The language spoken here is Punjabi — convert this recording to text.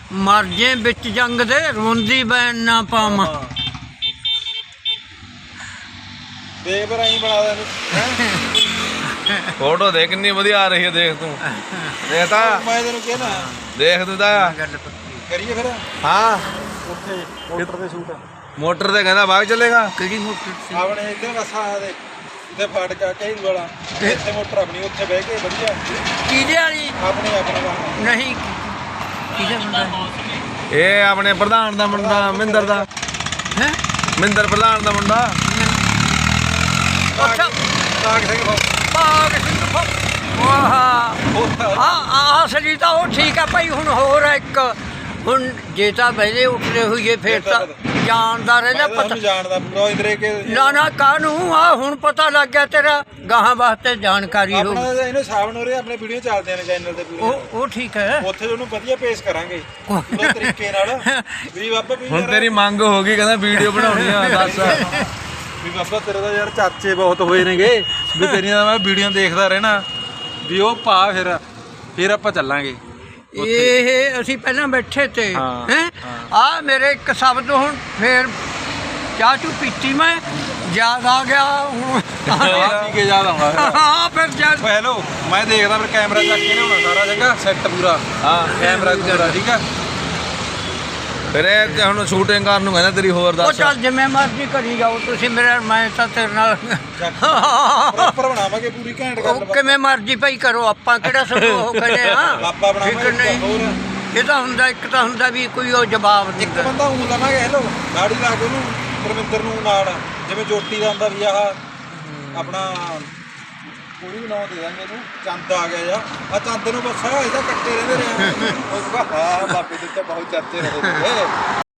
ਮਰ ਜੇ ਵਿੱਚ ਜੰਗ ਦੇ ਰੋਂਦੀ ਬੈਨ ਨਾ ਪਾਵਾਂ। ਦੇਖ ਫਿਰ ਐਂ ਬਣਾ ਦੇ ਫੋਟੋ ਦੇਖ ਕਿੰਨੀ ਵਧੀਆ ਆ ਰਹੀ ਹੈ, ਦੇਖ ਤੂੰ ਦੇਖ ਤਾਂ ਮੈਂ ਤੈਨੂੰ ਕਹਿਣਾ ਦੇਖ ਤੂੰ ਤਾਂ ਗੱਲ ਪੱਕੀ ਕਰੀਏ ਫਿਰ ਹਾਂ ਉੱਥੇ ਮੋਟਰ ਦੇ ਸੂਟ ਮੋਟਰ ਤੇ ਕਹਿੰਦਾ ਬਾਗ ਚੱਲੇਗਾ। ਕਿਹੜੀ ਮੋਟਰ ਸੀ? ਆਪਣੇ ਇੱਧਰ ਵਸਾ ਦੇ ਇੱਥੇ ਫਾਟਕਾ ਕਈ ਵਾਲਾ ਇੱਥੇ ਮੋਟਰ ਆਪਣੀ ਉੱਥੇ ਬਹਿ ਕੇ ਵਧੀਆ ਕਿਹਦੇ ਵਾਲੀ? ਆਪਣੇ ਵਾਹਨ ਨਹੀਂ ਕਿਹਦੇ ਮੁੰਡਾ ਇਹ ਆਪਣੇ ਪ੍ਰਧਾਨ ਦਾ ਮੁੰਡਾ ਮਿੰਦਰ ਦਾ, ਹੈ? ਮਿੰਦਰ ਪ੍ਰਧਾਨ ਦਾ ਮੁੰਡਾ। ਅੱਛਾ ਸਾਗ ਸਿੰਘ ਬਾਗ ਸਿੰਘ ਵਾਹ ਆ ਸਰੀ ਤਾਂ ਉਹ ਠੀਕ ਆ ਭਾਈ। ਹੁਣ ਹੋਰ ਆ ਇੱਕ, ਹੁਣ ਜੇ ਤਾਂ ਪਹਿਲੇ ਉੱਠਦੇ ਹੋਈਏ ਫਿਰ ਤਾਂ ਜਾਣਦਾ ਰਹਿੰਦਾ ਪਤਾ। ਜਾਣਦਾ ਪੂਰਾ ਇੰਦਰੇ ਕੇ ਨਾ ਨਾ ਕਾਹਨੂੰ ਆ ਹੁਣ ਪਤਾ ਲੱਗ ਗਿਆ ਤੇਰਾ ਗਾਹਾਂ ਵਾਸਤੇ ਜਾਣਕਾਰੀ ਹੋ। ਆਪਣਾ ਇਹਨੂੰ ਸਾਵਣ ਹੋ ਰਿਹਾ, ਆਪਣੇ ਵੀਡੀਓ ਚੱਲਦੇ ਨੇ ਚੈਨਲ ਤੇ ਪੂਰੇ ਉਹ ਠੀਕ ਹੈ। ਉੱਥੇ ਉਹਨੂੰ ਵਧੀਆ ਪੇਸ਼ ਕਰਾਂਗੇ ਪੂਰੇ ਤਰੀਕੇ ਨਾਲ ਵੀ ਬਾਬਾ ਵੀ ਹੁਣ ਤੇਰੀ ਮੰਗ ਹੋ ਗਈ, ਕਹਿੰਦਾ ਵੀਡੀਓ ਬਣਾਉਣੀ ਆ ਦੱਸ। ਵੀ ਬਾਬਾ ਤੇਰੇ ਦਾ ਯਾਰ ਚਰਚੇ ਬਹੁਤ ਹੋਏ ਨੇਗੇ ਵੀ ਤੇਰੀਆਂ ਮੈਂ ਵੀਡੀਓ ਦੇਖਦਾ ਰਹਿਣਾ ਵੀ ਉਹ ਪਾ ਫਿਰ ਆਪਾਂ ਚੱਲਾਂਗੇ। ਇਹ ਅਸੀਂ ਪਹਿਲਾਂ ਬੈਠੇ ਤੇ ਹਾਂ, ਹੈ ਆ ਮੇਰੇ ਇੱਕ ਸ਼ਬਦ ਹੁਣ ਫੇਰ ਚਾਹ ਚੂ ਪੀਤੀ ਮੈਂ ਯਾਦ ਆ ਗਿਆ ਹੁਣ ਪੀ ਕੇ ਯਾਦ ਆਉਂਦਾ ਹਾਂ ਫਿਰ ਜਦ ਓ ਹੈਲੋ ਮੈਂ ਦੇਖਦਾ ਫਿਰ ਕੈਮਰਾ ਚੱਕ ਕੇ ਲਿਆਉਣਾ ਸਾਰਾ ਜਗ੍ਹਾ ਸੈੱਟ ਪੂਰਾ ਹਾਂ ਕੈਮਰਾ ਪੂਰਾ ਠੀਕ ਆ। ਫਿਰ ਇਹ ਤੇ ਹੁਣ ਸ਼ੂਟਿੰਗ ਕਰਨ ਨੂੰ ਕਹਿੰਦਾ ਤੇਰੀ ਹੋਰ ਉਹ ਦੱਸ। ਚੱਲ ਜਿਵੇਂ ਮਰਜ਼ੀ ਕਰੀ ਜਾਓ ਤੁਸੀਂ ਮੇਰੇ, ਮੈਂ ਤਾਂ ਤੇਰੇ ਨਾਲ ਪ੍ਰੋਪਰ ਬਣਾਵਾਂਗੇ ਪੂਰੀ ਘੈਂਟ ਉਹ ਗੱਲ ਕਿਵੇਂ ਮਰਜ਼ੀ ਭਾਈ ਕਰੋ, ਆਪਾਂ ਕਿਹੜਾ ਸਭ ਉਹ ਕਰੇ ਆ ਆਪਾਂ ਠੀਕ ਬਣਾਵਾਂਗੇ ਨਹੀਂ। ਹੋਰ ਇਹ ਤਾਂ ਹੁੰਦਾ, ਇੱਕ ਤਾਂ ਹੁੰਦਾ ਵੀ ਕੋਈ ਉਹ ਜਵਾਬ ਇੱਕ ਦਿੰਦਾ। ਬੰਦਾ ਊਂ ਲਵਾਂਗੇ ਹੈਲੋ ਗਾੜੀ ਲਾ ਕੇ ਉਹਨੂੰ ਪਰਮਿੰਦਰ ਨੂੰ ਨਾਲ ਜਿਵੇਂ ਜੋਟੀ ਦਾ ਹੁੰਦਾ ਵੀ ਆਹ ਆਪਣਾ ਕੋਈ ਵੀ ਨਾਂ ਦੇ ਦਾਂਗੇ ਇਹਨੂੰ ਚੰਦ ਆ ਗਿਆ ਆ ਚੰਦ ਨੂੰ ਬਸ ਇਹਦਾ ਕੱਟੇ ਰਹਿੰਦੇ ਰਹੇ ਉਹ ਹਾਂ ਬਾਬੇ ਦੇ ਤਾਂ ਬਹੁਤ ਚਰਚੇ ਰਹੇ